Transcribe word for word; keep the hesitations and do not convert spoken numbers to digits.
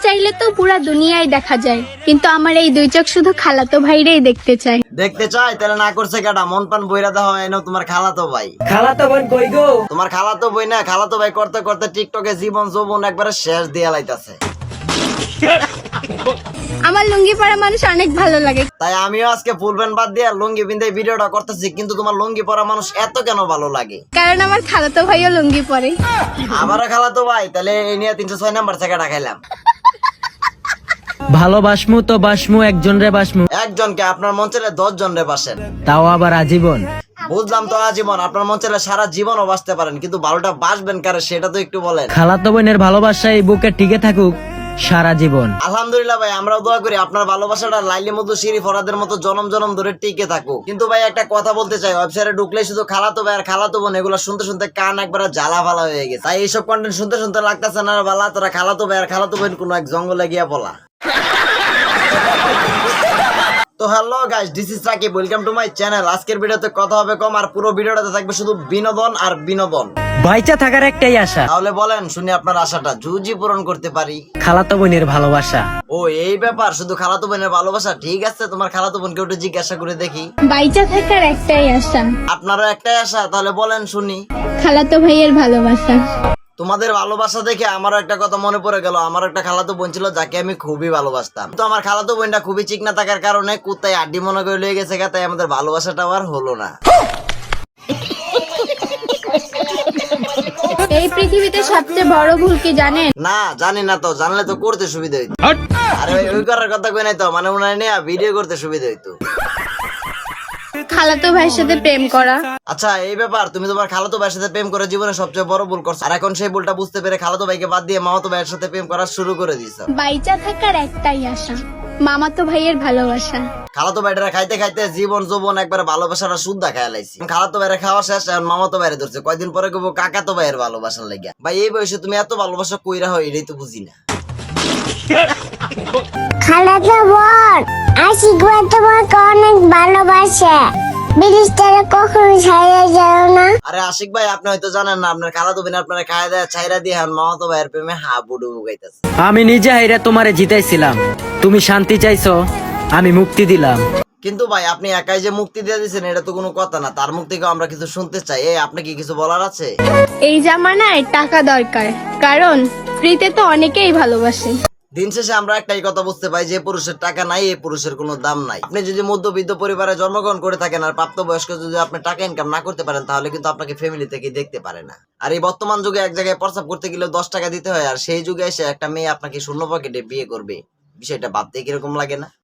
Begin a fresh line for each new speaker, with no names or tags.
চাইলে তো পুরা দুনিয়ায় দেখা যায়, কিন্তু আমার এই দুই চোখ শুধু খালাতো ভাইরেই দেখতে চায়।
দেখতে চাই তাহলে না করছে কাটা মন পান বইরা দেওয়া হয় না তোমার খালাতো ভাই।
খালাতো বোন কই গো?
তোমার খালাতো বই না, খালাতো ভাই করতে করতে টিকটকে জীবন যৌবন একবারে শেষ দিয়া লাইতাছে।
আমার লুঙ্গি পরা মানুষ অনেক ভালো লাগে,
তাই আমিও আজকে ফুল প্যান্ট বাদ দিয়ে লুঙ্গি পিন্ধে ভিডিওটা করতেছি। কিন্তু তোমার লুঙ্গি পরা মানুষ এত কেন ভালো লাগে?
কারণ আমার খালাতো ভাইও লুঙ্গি পরে।
আমারও খালাতো ভাই, তাহলে এই নিয়ে তিনশো ছয় নাম্বার থেকে ডাকাইলাম।
ভালোবাসমু তো বাসমু, একজন রে বাসমু,
একজনকে আপনার মন চাইলে দশ জন রে বাসেন।
তাও আবার আজীবন।
বুঝলাম তো আজীবন, আপনার মন চাইলে সারা জীবনও বাঁচতে পারেন, কিন্তু ভালোটা বাসবেন কারে সেটা তো একটু বলেন।
খালাতো বোনের ভালোবাসা এই বুকে টিকে থাকুক সারা জীবন।
আলহামদুলিল্লাহ ভাই, আমরাও দোয়া করি আপনার ভালোবাসাটা লাইলি মধু শিরি ফরাদের মতো জনম জনম ধরে টিকে থাকুক। কিন্তু ভাই একটা কথা বলতে চাই, ওয়েবসাইটে ঢুকলে শুধু খালাতো ভাই আর খালাতো বোন এগুলো শুনতে শুনতে কান একবার জ্বালা ভালা হয়ে গেছে। তাই এইসব কন্টেন্ট শুনতে শুনতে লাগতেছে না ভালা তোরা খালাতো ভাই আর খালাতো বোন কোন এক জঙ্গলে গিয়া বলা। তো hello guys, this is Rakib, welcome to my channel. আজকের ভিডিওতে কথা হবে কম আর পুরো ভিডিওটাতে থাকবে শুধু বিনোদন আর বিনোদন।
বাইচা থাকার একটাই আশা,
তাহলে বলেন শুনি আপনার আশাটা জুজি পূরণ করতে পারি।
খালাতো বোনের ভালোবাসা।
ও এই ব্যাপার, শুধু খালাতো বোনের ভালোবাসা। ঠিক আছে, তোমার খালাতো বোনকে একটু জিজ্ঞাসা করে দেখি।
বাইচা থাকার একটাই আশা।
আপনারও একটাই আশা, তাহলে বলেন শুনি।
খালাতো ভাইয়ের ভালোবাসা।
তোমাদের ভালোবাসা দেখে আমারও একটা কথা মনে পড়ে গেল। আমার একটা খালাতো বোন ছিল যাকে আমি খুবই ভালোবাসতাম, তো আমার খালাতো বোনটা খুবই চিকনা থাকার কারণে কুত্তায় আড্ডি মনে করে লেগে গেছে, তাই আমাদের ভালোবাসাটা আর হলো না।
এই পৃথিবীতে সবচেয়ে বড় ভুল কি জানেন?
না জানি না, তো জানলে তো করতে সুবিধা হইতো। আরে ওই ওই করার কথা কই নাই তো, মানে উনার নিয়ে ভিডিও করতে সুবিধা হইতো।
খালাতো ভাইয়ের সাথে প্রেম করা।
আচ্ছা এই ব্যাপার, তুমি তোমার খালাতো ভাইয়ের সাথে প্রেম করে জীবনে সবচেয়ে বড় ভুল করছো, আর এখন সেই ভুলটা বুঝতে পেরে খালাতো ভাইকে বাদ দিয়ে মামাতো ভাইয়ের সাথে প্রেম করা শুরু করে দিয়েছো।
বাইচা থাকার একটাই আশা, মামাতো ভাইয়ের ভালোবাসা।
খালাতো ভাইরা খাইতে খাইতে জীবন যৌবন একবার ভালোবাসাটা শুদ্ধা খায়া লাইছি। খালাতো ভাইরা খাওয়া শেষ, এখন মামাতো ভাইরে ধরছে। কয়দিন পরে কইবো কাকাতো ভাইয়ের ভালোবাসার লাগিয়া। ভাই এই বয়সে তুমি এত ভালোবাসা কইরা হয় এটাই তো বুঝি না।
খালাতো বোন আশিক ভাই তোমাকে অনেক ভালোবাসে, বিদেশটারে কখনো ছাইড়া যাও না।
আরে আশিক ভাই, আপনি হয়তো জানেন না, আপনার খালাতো বোন আপনার খাওয়া দেয়া ছাইরা দিয়ে এখন মামাতো ভাইয়ের প্রেমে হাবুডুবু গাইতেছে।
আমি নিজে হাইরা তোমারে জিতাইছিলাম, তুমি শান্তি চাইছো, আমি মুক্তি দিলাম।
কিন্তু ভাই আপনি একাই যে মুক্তি দিয়ে দিচ্ছেন এটা তো কোনো কথা না, তার মুখ থেকে আমরা কিছু শুনতে চাই। এই আপনি কি কিছু বলার আছে?
এই জামানায় টাকা দরকার, কারণ ফ্রিতে তো অনেকেই ভালোবাসে।
দিন শেষে আমরা একটাই কথা বুঝতে পাই, যে পুরুষের টাকা নাই এই পুরুষের কোনো দাম নাই। আপনি যদি মধ্যবিত্ত পরিবারে জন্মগ্রহণ করে থাকেন আর প্রাপ্তবয়স্ক যদি আপনি টাকা ইনকাম না করতে পারেন, তাহলে কিন্তু আপনাকে ফ্যামিলি থেকে দেখতে পারে না। আর এই বর্তমান যুগে এক জায়গায় প্রস্তাব করতে গেলে দশ টাকা দিতে হয়, আর সেই যুগে এসে একটা মেয়ে আপনাকে শূন্য পকেটে বিয়ে করবে, বিষয়টা ভাবতে কিরকম লাগে না?